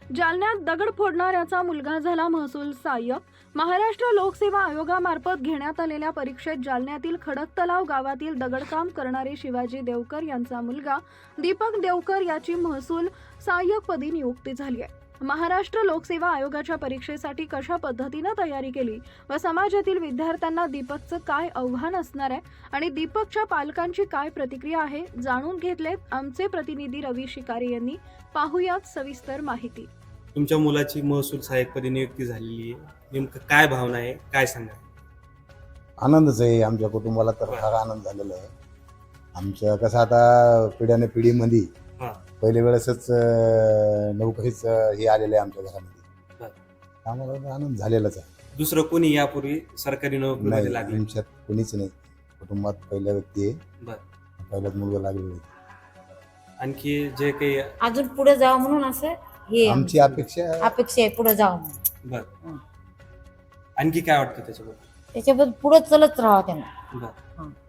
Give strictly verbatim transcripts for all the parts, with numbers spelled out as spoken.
जालन्यात दगड फोडणाऱ्याचा मुलगा झाला महसूल सहाय्यक। महाराष्ट्र लोकसेवा आयोगामार्फत घेण्यात आलेल्या परीक्षेत जालन्यातील खडकतलाव गावातील दगडकाम करणारे शिवाजी देवकर यांचा मुलगा दीपक देवकर याची महसूल सहाय्यकपदी नियुक्ती झाली आहे। महाराष्ट्र लोकसेवा आयोगाच्या परीक्षेसाठी कशा पद्धतीने तयारी केली व समाजातील विद्यार्थ्यांना दीपकचं काय आव्हान असणार आहे आणि दीपकच्या पालकांची काय प्रतिक्रिया आहे जाणून घेतलेत आमचे प्रतिनिधी रवी शिकारी यांनी। पाहुयात सविस्तर माहिती। तुमच्या मुलाची महसूल सहाय्यकपदी नियुक्ती झालेली आहे, नेमकं काय भावना आहे, काय सांगा? आनंदच आहे आमच्या कुटुंबाला, तर फार आनंद झालेला आहे। आमच्या कसं आता पिढ्याने पिढीमध्ये पहिले वेळेसच नोकरीच हे आलेलं आहे आमच्या घरामध्ये, आम्हाला आनंद झालेलाच आहे। दुसरं कोणी यापूर्वी सरकारी नोकरीमध्ये नाही, लागले? आमच्यात कोणीच नाही, कुटुंबात पहिल्या व्यक्ती आहे, बर पहिलाच मुलगा लागलेला आहे। आणखी जे काही अजून पुढे जावं म्हणून असं हे आमची अपेक्षा अपेक्षा आहे, पुढे जावं म्हणून। बर आणखी काय वाटतं त्याच्याबद्दल? त्याच्याबद्दल पुढे चलत राहावं त्यांना। बर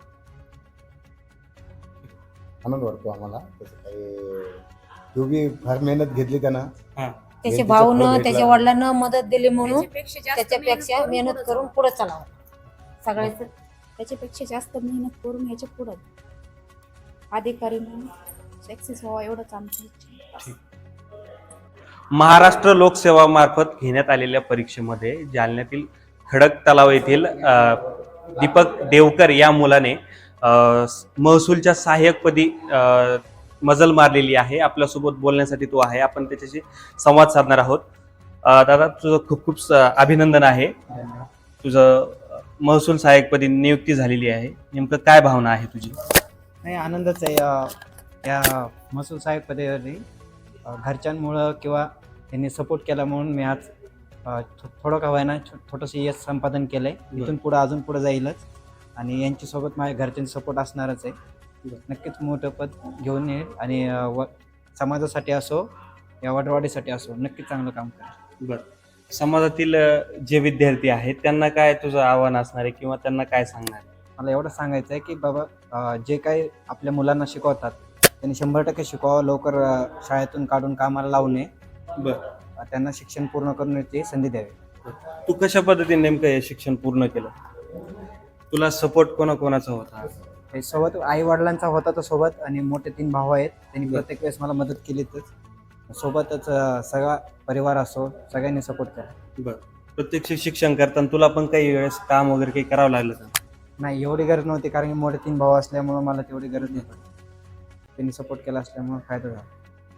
आनंद वाटतो आम्हाला। तसं काही दोघी फार मेहनत घेतली त्यानं, हा त्याच्या भाऊनं त्याच्या वडिलांना मदत दिली म्हणून त्याच्यापेक्षा मेहनत करून पुढे चालावं सगळ्याच। त्याच्यापेक्षा जास्त मेहनत करून ह्याच्या पुढे अधिकारी म्हणून सक्सेस व्हावा एवढंच आमची इच्छा आहे। महाराष्ट्र लोकसेवा मार्फत घेण्यात आलेल्या परीक्षेमध्ये जालन्यातील खडक तलाव येथील दीपक देवकर या मुलाने महसूलच्या सहाय्यकपदी मजल मारलेली आहे। आपल्यासोबत बोलण्यासाठी तो आहे, आपण त्याच्याशी संवाद साधणार आहोत। दादा, तुझं खूप खूप अभिनंदन आहे, तुझं महसूल सहाय्यकपदी नियुक्ती झालेली आहे, नेमकं काय भावना आहे तुझी? नाही, आनंदच आहे या महसूल सहाय्यकपदी। घरच्यांमुळं किंवा त्यांनी सपोर्ट केला म्हणून मी आज थोडं का व्हायना छोटंसं यश संपादन केलंय। इथून पुढं अजून पुढे जाईलच आणि यांच्यासोबत माझ्या घरच्यांचा सपोर्ट असणारच आहे। नक्कीच मोठं पद घेऊन येईल आणि व समाजासाठी असो या वडवाडीसाठी असो नक्कीच चांगलं काम करेल। बरं, समाजातील जे विद्यार्थी आहेत त्यांना काय तुझं आव्हान असणार आहे किंवा त्यांना काय सांगणार? मला एवढं सांगायचं आहे की बाबा, जे काही आपल्या मुलांना शिकवतात त्यांनी शंभर टक्के शिकवावं, लवकर शाळेतून काढून कामाला लावू नये, बरं त्यांना शिक्षण पूर्ण करण्याची संधी द्यावी। तू कशा पद्धतीने नेमकं हे शिक्षण पूर्ण केलं? तुला सपोर्ट कोणाकोणाचा होता? हे सोबत आई वडिलांचा होता तर सोबत, आणि मोठे तीन भाऊ आहेत त्यांनी प्रत्येक वेळेस मला मदत केलीच। सोबतच सगळा परिवार असो सगळ्यांनी सपोर्ट केला। बरं, प्रत्यक्ष शिक्षण करताना तुला पण काही वेळेस काम वगैरे काही करावं लागलं का? नाही, एवढी गरज नव्हती, कारण की मोठे तीन भाऊ असल्यामुळे मला तेवढी गरज नाही पडली। त्यांनी सपोर्ट केला असल्यामुळे फायदा झाला।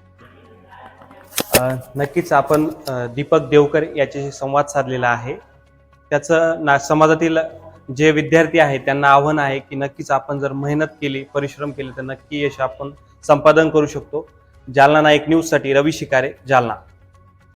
नक्कीच आपण दीपक देवकर याच्याशी संवाद साधलेला आहे। त्याचं ना समाजातील जे विद्यार्थी आहेत त्यांना आव्हान आहे की नक्कीच आपण जर मेहनत केली, परिश्रम केले तर नक्की यश आपण संपादन करू शकतो। जालना नाईक न्यूजसाठी रवी शिकारे, जालना।